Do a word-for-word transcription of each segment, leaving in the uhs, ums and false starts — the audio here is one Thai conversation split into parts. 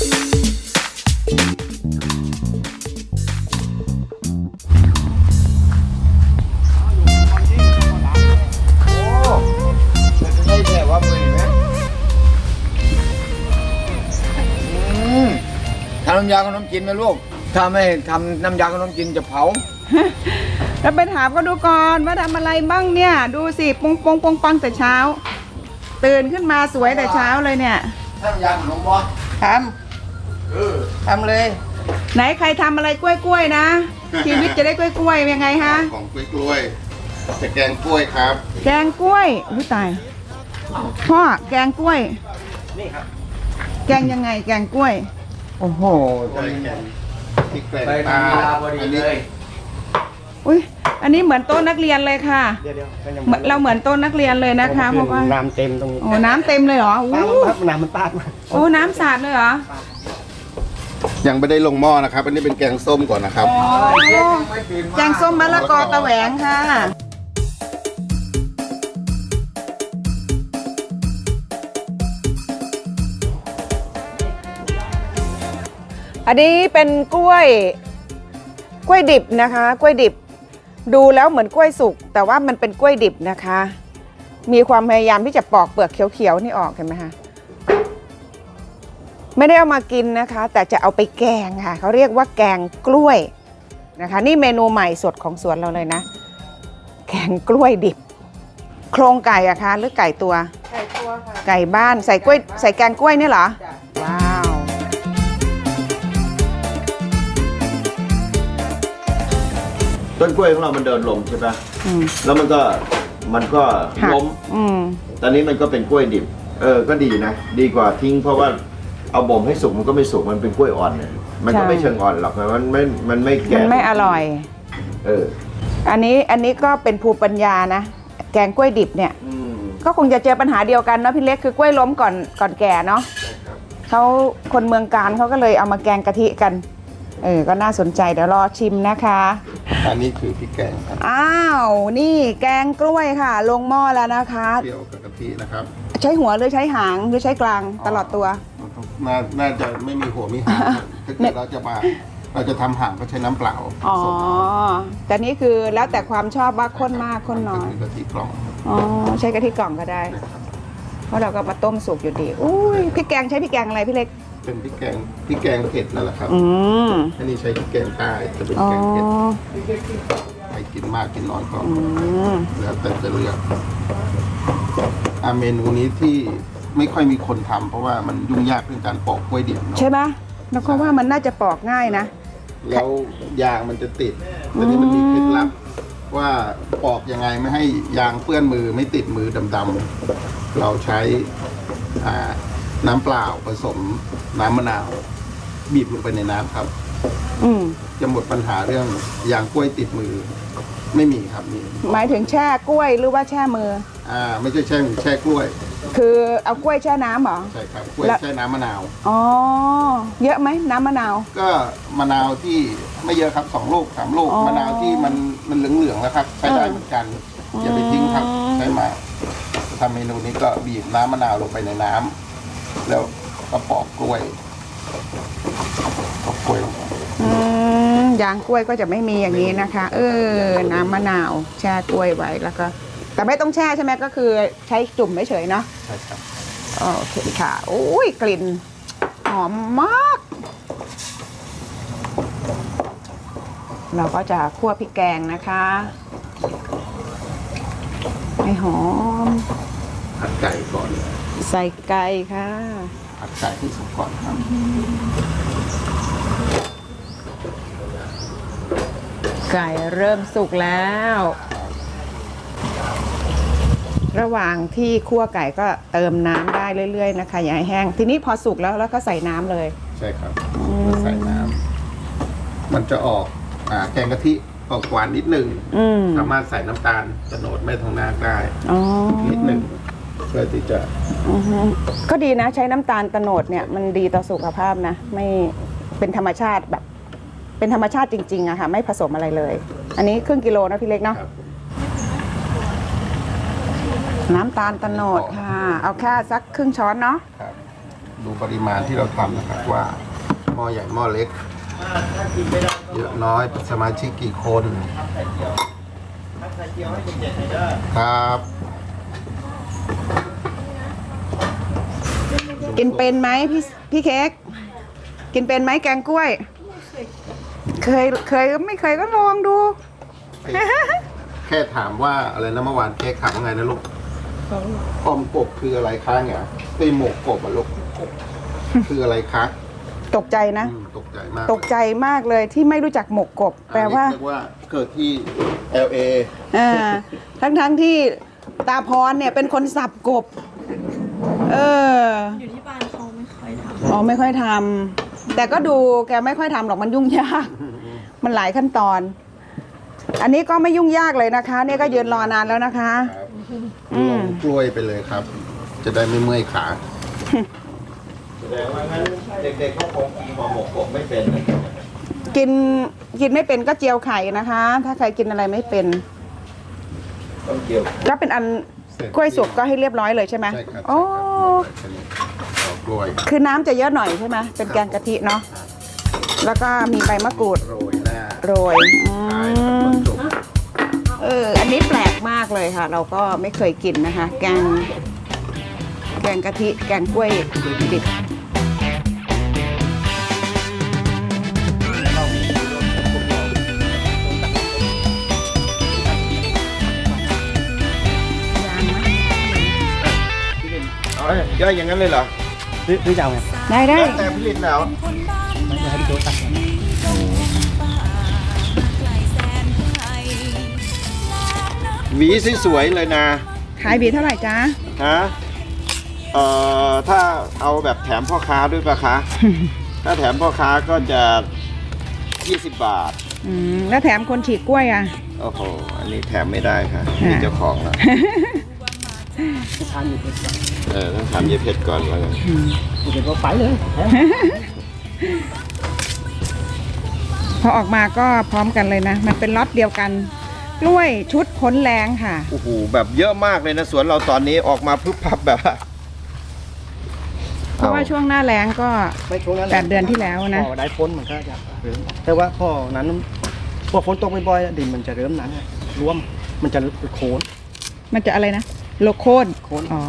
ทำน้ำยาขนมจีนไหมลูกถ้าไม่ทำน้ำยาขนมจีนจะเผาแล้วไปถามก็ดูก่อนว่าทำอะไรบ้างเนี่ยดูสิปงปงปงปังแต่เช้าตื่นขึ้นมาสวยแต่เช้าเลยเนี่ยน้ำยาขนมบอทเออำทำเลย ไหนใครทำอะไรกล้วยๆนะ ชีวิตจะได้กล้วยๆยังไงฮะของกล้วยกล้วยจะแกงกล้วยครับแกงกล้วยอุ้ยตายพ่อแกงกล้วยนี่ครับแกงยังไงแกงกล้วยโอ้โหใส่แกงพริกแกงไปปลาทำเวลาพอดีอันเลนี้ยอุ้ยอันนี้เหมือนโต๊ะนักเรียนเลยค่ะเดี๋ยวเดี๋ยวก็ยังเหมือนเราเหมือนโต๊ะนักเรียนเลยนะคะเพราะว่าน้ำเต็มตรงนี้โอ้น้ำเต็มเลยเหรอน้อู้ำน้ำมันปาดมาโอ้น้ำสาดเลยเหรอยังไม่ได้ลงหม้อนะครับ อันนี้เป็นแกงส้มก่อนนะครับอ๋อแกงส้มมะละกอตะแหวงค่ะอันนี้เป็นกล้วยกล้วยดิบนะคะกล้วยดิบดูแล้วเหมือนกล้วยสุกแต่ว่ามันเป็นกล้วยดิบนะคะ มีความพยายามที่จะปอกเปลือกเขียวๆนี่ออกเห็นไหมคะไม่ได้เอามากินนะคะ แต่จะเอาไปแกงค่ะเขาเรียกว่าแกงกล้วยนะคะนี่เมนูใหม่สดของสวนเราเลยนะแกงกล้วยดิบโครงไก่อะคะหรือไก่ตัวไก่ตัวค่ะไก่บ้านใส่กล้วยใส่แกงกล้วยนี่เหรอว้าวต้นกล้วยของเรามันเดินลงใช่ปะอืมแล้วมันก็มันก็หักล้มอืมตอนนี้มันก็เป็นกล้วยดิบ เออ ก็ดีนะ ดีกว่าทิ้งเพราะว่าเอาบ่มให้สุกมันก็ไม่สุก มันเป็นกล้วยอ่อนเนี่ยมันก็ไม่เชิงอ่อนหรอก มันไม่ มันไม่มัแก่นไม่อร่อยเอออันนี้อันนี้ก็เป็นภูมิปัญญานะแกงกล้วยดิบเนี่ยอืมก็คงจะเจอปัญหาเดียวกันเนาะพี่เล็กคือกล้วยล้มก่อนก่อนแก่เนาะเขาคนเมืองการเขาก็เลยเอามาแกงกะทิกันเออก็น่าสนใจเดี๋ยวรอชิมนะคะอันนี้คือพริกแกงครับอ้าวนี่แกงกล้วยค่ะ ลงหม้อแล้วนะคะเปรี้ยวกับกะทินะครับใช้หัวหรือใช้หางหรือใช้กลางตลอดตัวน่าน่าจะไม่มีหัวมีหางครับถ้าเกิดเราจะมาเราจะทำหางก็ใช้น้ำเปล่าอ๋อผสมแต่นี่คือแล้วแต่ความชอบว่าข้นมากข้นน้อยคือกะทิกล่องอ๋อใช้กะทิกล่องก็ได้ เพราะเราก็มาต้มสุกอยู่ดีอุ้ยพริกแกงใช้พริกแกงอะไรพี่เล็กเป็นพริกแกงพริกแกงเผ็ดนั่นแหละครับอืมอันนี้ใช้พริกแกงใต้จะเป็นอ๋อแกงเผ็ดใครกินมากกินน้อยก็อืมแล้วแต่จะเลือกอ่ะเมนูนี้ที่ไม่ค่อยมีคนทำเพราะว่ามันยุ่งยากเรื่องการปอกกล้วยดิบเนาะใช่ปะแล้วก็ว่ามันน่าจะปอกง่ายนะแล้วยางมันจะติดแต่นี้มันมีเคล็ดลับว่าปอกยังไงไม่ให้ยางเปื้อนมือไม่ติดมือดำๆเราใช้อ่าน้ำเปล่าผสมน้ำมะนาว บีบลงไปในน้ำครับอืมจะหมดปัญหาเรื่องยางกล้วยติดมือ ไม่มีครับมีหมายถึงแช่กล้วยหรือว่าแช่มืออ่าไม่ใช่แช่แช่กล้วยคือเอากล้วยแช่น้ำเหรอใช่ครับกล้วยแล้วแช่น้ำมะนาวอ๋อเยอะไหมน้ำมะนาวก็มะนาวที่ไม่เยอะครับสองลูกสามลูกอ๋อมะนาวที่มันมันเหลืองๆแล้วครับ ใช้ได้เหมือนกันอย่าไปทิ้งครับอืมใช้มาทำเมนูนี้ก็บีบน้ำมะนาวลงไปในน้ำแล้วก็ปอกกล้วยปอกกล้วยลงไปอืมยางกล้วยก็จะไม่มีอย่างนี้นะคะ เออ น้ำมะนาวแช่กล้วยไว้แล้วก็ แต่ไม่ต้องแช่ใช่ไหมก็คือใช้จุ่มเฉยๆเนาะใช่ครับโอเคค่ะโอ้ยกลิ่นหอมมาก เราก็จะคั่วพริกแกงนะคะให้หอมผัดไก่ก่อนใส่ไก่ค่ะผัดไก่ที่สุกก่อนครับไก่เริ่มสุกแล้ว ระหว่างที่คั่วไก่ก็เติมน้ำได้เรื่อยๆนะคะอย่าให้แห้งทีนี้พอสุกแล้วแล้วก็ใส่น้ำเลยใช่ครับแล้วใส่น้ำมันจะออกอ่าแกงกะทิออกหวานนิดหนึ่งอืมสามารถใส่น้ำตาลโตโนดไม่ทองนาคได้อ๋อนิดหนึ่งเพื่อที่จะอือฮึก็ดีนะใช้น้ำตาลโตโนดเนี่ยมันดีต่อสุขภาพนะไม่เป็นธรรมชาติแบบ เป็นธรรมชาติจริงๆอะค่ะไม่ผสมอะไรเลย อันนี้ครึ่งกิโลนะพี่เล็กเนาะครับน้ำตาลโตโนดค่ะ เอาแค่สักครึ่งช้อนเนาะครับดูปริมาณที่เราทำนะครับว่าหม้อใหญ่หม้อเล็ก เยอะน้อยสมาชิกกี่คนครับกินเป็นไหมพี่พี่เค้กกินเป็นไหมแกงกล้วย เคยเคยไม่เคยก็ลองดูแค่ถามว่าอะไรนะเมื่อวานเค้กถามว่าไงนะลูกออมกบคืออะไรคะเนี่ยไอหมกกบอะลูกคืออะไรคะตกใจนะอืมตกใจมากตกใจมากเลยที่ไม่รู้จักหมกกบ แปลว่าอันนี้เรียกว่าเกิดที่ แอล เออ่าทั้งทั้งที่ตาพรเนี่ยเป็นคนสับกบ เอออยู่ที่บ้านเขาไม่ค่อยทอ๋อไม่ค่อยทำแต่ก็ดูแกไม่ค่อยทำหรอกมันยุ่งยาก มันหลายขั้นตอน อันนี้ก็ไม่ยุ่งยากเลยนะคะเนี่ยก็ยืนรอนานแล้วนะคะครับอืมลองกล้วยไปเลยครับ จะได้ไม่เมื่อยขาแสดงว่างั้นเด็กๆเขาคงกินห่อหมกกบไม่เป็นนะกินกินไม่เป็นก็เจียวไข่นะคะ ถ้าใครกินอะไรไม่เป็นต้องเกี่ยวก็เป็นอันเสร็จกล้วยสุกก็ให้เรียบร้อยเลยใช่ไหมใช่ครับโอ้เอากล้วยคือน้ำจะเยอะหน่อยใช่ไหมเป็นแกงกะทิเนาะแล้วก็มีใบมะกรูดโรยหน้าโรยอืท้ายครับมต้นสุกเอออันนี้แปลกมากเลยค่ะ เราก็ไม่เคยกินนะคะ แกงแกงกะทิแกงกล้วยดิบยังไหมเอาเลยย่อยอย่างนั้นเลยเหรอหรือหรือจะเอาไงได้ได้แล้วแต่ผลิตแล้วจะให้พี่โจ๊กตักก่อนหวีสวยๆเลยนะขายบีเท่าไหร่จ๊ะฮะเอ่อถ้าเอาแบบแถมพ่อค้าด้วยปะคะ ถ้าแถมพ่อค้าก็จะยี่สิบบาทอืมแล้วแถมคนฉีกกล้วยอ่ะโอ้โห อันนี้แถมไม่ได้ค่ะอ่ามีเจ้าของแล้วจะทานอยู่เด็กเออต้องถามยายเพชรก่อนแล้วกันเด็กก็ไปเลยแถมพอออกมาก็พร้อมกันเลยนะ มันเป็นล็อตเดียวกัน กล้วยชุดพ้นแรงค่ะโอ้โห แบบเยอะมากเลยนะสวนเราตอนนี้ออกมาพึบพับแบบว่าเพราะว่าช่วงหน้าแรงก็ไม่ช่วงนั้นแปดเดือนที่แล้วนะพอได้ฝนมันก็จะเริ่มแต่ว่าพอนั้นพอฝนตกบ่อยๆดินมันจะเริ่มนั้นรวมมันจะโคนมันจะอะไรนะ โลโคนโคนอ๋อ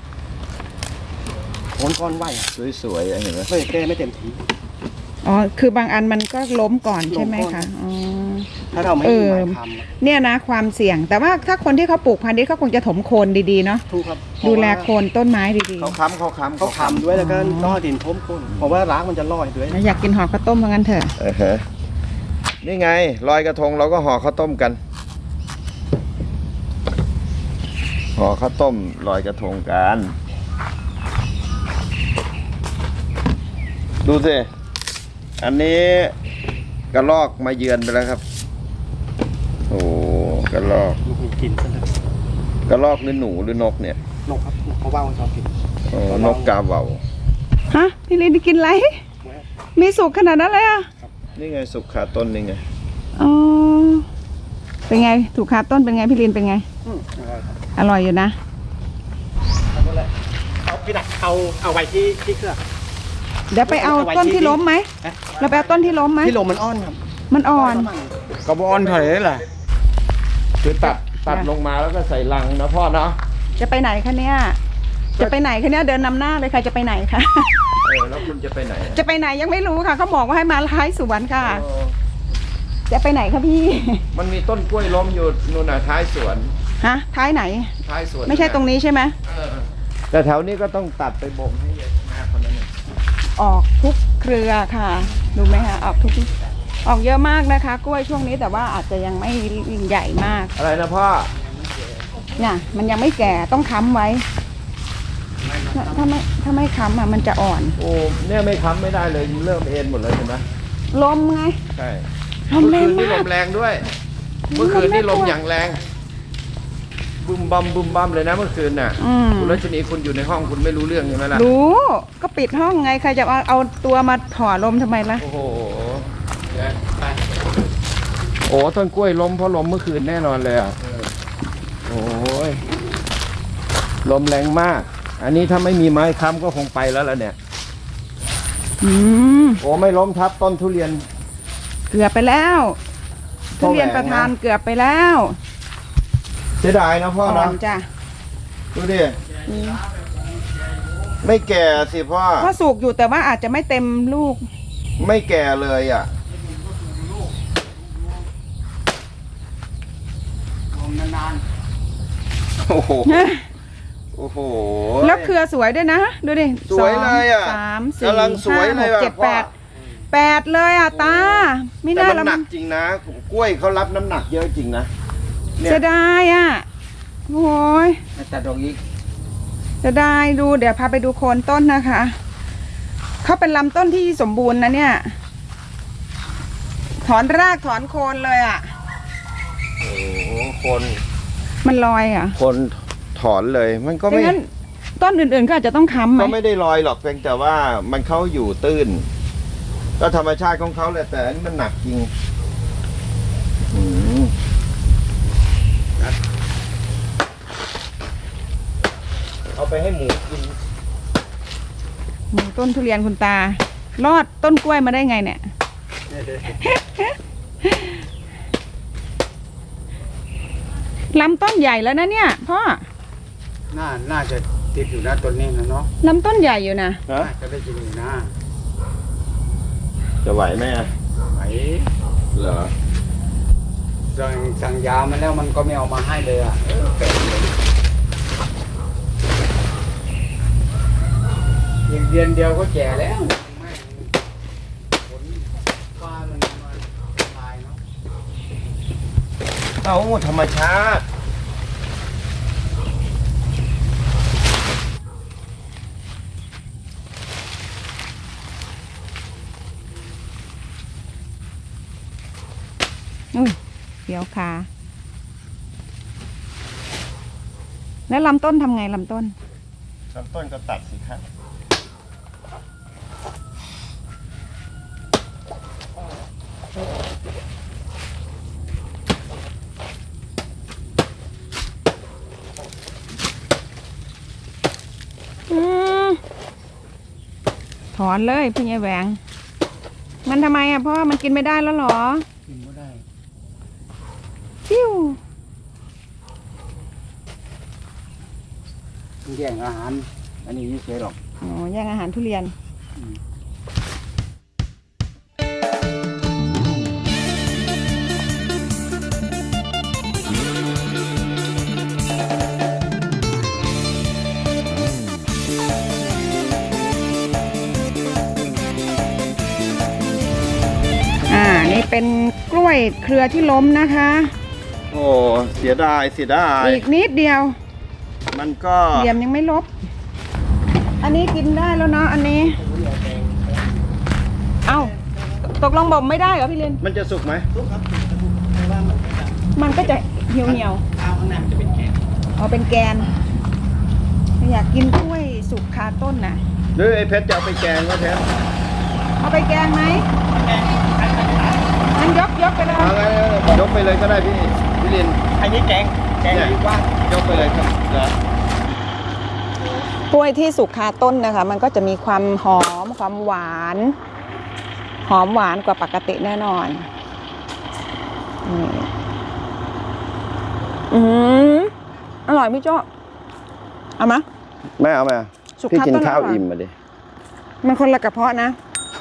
โคนก้อนไหวสวยๆเห็นไหมไม่แก้ไม่เต็มทีอ๋อ คือบางอันมันก็ล้มก่อนใช่ไหมล้มก่คะอนอ๋อถ้าเราไม่เอมีอไม้ทำเนี่ยนะความเสี่ยง แต่ว่าถ้าคนที่เขาปลูกพันธุ์นี้เขาคงจะถมโคนดีๆเนาะถูกครับดูแลโคนต้นไม้ดีเขาค้ำเขาค้ำเขาทำด้วยแล้วก็ต้องเอาดินทมก้นเพราะว่ารากมันจะลอยด้วยๆแล้วอยากกินห่อข้าวต้มเพราะงั้นเถอะเออฮะนี่ไงลอยกระทงเราก็ห่อข้าวต้มกันห่อข้าวต้มลอยกระทงกันดูสิอันนี้กระลอกมาเยือนไปแล้วครับ โอ้กระลอกลูกมีกินซะเลยกระลอกหรือหนูหรือนกเนี่ยนกครับเขาว่ามันชอบกินโอ้นกกาเหว่าฮะ พี่ลินกินอะไร มีสุกขนาดนั้นเลยอ่ะนี่ไงสุกขาต้นนี่ไงอ๋อ เป็นไง ถูกคาต้นเป็นไงพี่ลินเป็นไงอืมอร่อยครับอร่อยอยู่นะเอาตัวแรกเอาพี่ดักเอาเอาไว้ที่ที่เครื่องเดี๋ยวไปเอาต้นที่ล้มไหมฮะเราไปเอาต้นที่ล้มไหมที่ลมมันอ้อนครับมันอ่อนกระบอนเถอะแหละคือตัดตัดลงมาแล้วก็ใส่ลังนะพ่อเนาะจะไปไหนคะเนี่ย จะไปไหนคะเนี่ยเดินนำหน้าเลยค่ะจะไปไหนคะเออแล้วคุณจะไปไหนจะไปไหนยังไม่รู้ค่ะเขาบอกว่าให้มาท้ายสวนค่ะ จะไปไหนคะพี่มันมีต้นกล้วยล้มอยู่นู่นน่ะท้ายสวนฮะ ท้ายไหนท้ายสวนไม่ใช่ตรงนี้ใช่ไหมเออแต่แถวนี้ก็ต้องตัดไปบ่มให้เยอะมากคนนั้นน่ะออกทุกเครือค่ะ ดูไหมคะออกทุก ออกเยอะมากนะคะ กล้วยช่วงนี้แต่ว่าอาจจะยังไม่ยิ่งใหญ่มากอะไรนะพ่อเนี่ยมันยังไม่แก่ต้องค้ำไว้ ถ้าไม่ถ้าไม่ค้ำอ่ะมันจะอ่อนโอ้เนี่ยไม่ค้ำไม่ได้เลยเริ่มเอ็นหมดเลยเห็นไหมลมไงใช่ลมเมื่อแรคืงนนี่ลมากมแรงด้วย เมื่อคืนนี่ลมอย่างแรงบึมบัมบึมบัมเลยนะเมื่อคืนน่ะอืมคุณรัชนีคุณอยู่ในห้องคุณไม่รู้เรื่องใช่ไหมล่ะรู้ก็ปิดห้องไงใครจะเอาเอาตัวมาถอดลมทำไมล่ะโอ้โหโอ้ต้นกล้วยล้มเพราะลมเมื่อคืนแน่นอนเลยอ่ะโอ้ยลมแรงมาก อันนี้ถ้าไม่มีไม้ค้ำก็คงไปแล้วล่ะเนี่ยอืมโอ้ไม่ล้มทับต้นทุเรียนเกือบไปแล้วพ่ทุอแหวงเรียนประธานเกือบไปแล้วเสียดายนะพ่ออ่อนะนจ้ะดูดิไม่แก่สิพ่อก็สุกอยู่แต่ว่าอาจจะไม่เต็มลูกไม่แก่เลยอ่ะโอ้โหโอ้โหแล้วเครือสวยด้วยนะ ดูดิสวยเลยอ่ะสามสี่กำลังสวยห้าเลหยกอ่ะเจ็ดพ่อแปดแปดเลยอ่ะตา ไม่แต่น่ามันละหนัมักนจริงนะกล้วยเขารับน้ำหนักเยอะจริงนะเนี่ยเสียดายอ่ะโอ้ยตัดดอกอีกเสียดายดูเดี๋ยวพาไปดูโคนต้นนะคะเขาเป็นลำต้นที่สมบูรณ์นะเนี่ย ถอนรากถอนโคนเลยอ่ะโอ้โหคนมันลอยอ่ะคนถอนเลยมันก็ดัไม่งนั้นต้นอื่นๆก็อาจจะต้องค้ำไหมก็ไม่ได้ลอยหรอกเพียงแต่ว่ามันเขาอยู่ตื้น ก็ธรรมชาติของเขาแหละแต่อันนี้มันหนักจริงอืมเอาไปให้หมูกินหมูต้นทุเรียนคุณตา รอดต้นกล้วยมาได้ไงเนี่ย ลำต้นใหญ่แล้วนะเนี่ยพ่อน่าน่าจะติดอยู่นะต้นนี้นะเนาะลำต้นใหญ่อยู่นะฮะน่าจะได้กินอยู่นะจะไหวไหมอะไหนเหรอสั่งสั่งยามาแล้วมันก็ไม่เอามาให้เลยอ่ะเออแปลกเลยอีกเดือนเดียวก็แก่แล้วแม่งผลฟ้ามันมาตายเนาะเอาธรรมชาติอุ้ยเดี๋ยวขาแล้วลำต้นทำไงลำต้นลำต้นก็ตัดสิครับอืมถอนเลยพี่ยายแหวง มันทำไมอ่ะพ่อมันกินไม่ได้แล้วเหรอกินไม่ได้ฟิวมันแย่งอาหาร อันนี้ไม่เฉยหรอกอ๋อแย่งอาหารทุเรียน อ่า นี่เป็นกล้วยเครือที่ล้มนะคะโอ้เสียดายเสียดายอีกนิดเดียวมันก็เหลี่ยมยังไม่ลบ อันนี้กินได้แล้วเนาะ อันนี้ เอ้า ตกลงบ่มไม่ได้เหรอพี่เรนมันจะสุกไหมมันก็จะเหี่ยวเหี่ยวๆอ๋อเป็นแกน อยากกินกล้วยสุกคาต้นน่ะหรือไอ้เพชรจะเอาไปแกงก็เพชรเอาไปแกงไหมงั้นยกยกไปเลยเอาไงยกไปเลยก็ได้พี่พี่ลินอันนี้แกงแกงดีกว่ายกไปเลยครับเหรอกล้วยที่สุกคาต้นนะคะ มันก็จะมีความหอมความหวาน หอมหวานกว่าปกติแน่นอนนี่อืมอร่อยพี่โจ้เอามาแม่เอาไหมสุกพี่คากินต้นข้าวอร่อยอิ่มมาดิมันคนละกระเพาะนะ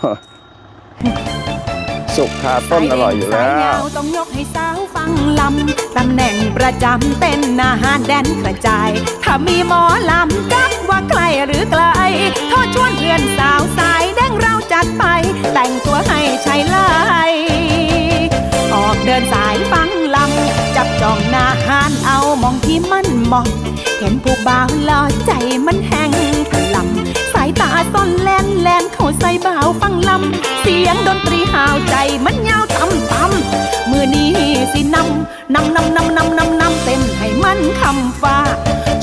สุกคาต้นอร่อยอยู่แล้สายว ยาวต้องยกให้สาวฟังลำ ตำแหน่งประจำเป็นอาหารแดนกระจาย ถ้ามีหมอลำจักว่าไกลหรือไกลโทษชวนเพื่อนสาวสายแดงเราจัดไป แต่งตัวให้ชายไล่ออกเดินสายฟังลำ จับจองหน้าหานเอามองที่มันเหมาะ เห็นผู้บ่าวหล่อใจมันแห้งถลำสายตาซ่อนแลนแลนเข้าใส่บ่าวฟังลำ เสียงดนตรีหาวใจมันยาวต่ำต่ำมือนี้สินำนำนำนำนำนำนำเต้นให้มันคำฟ้า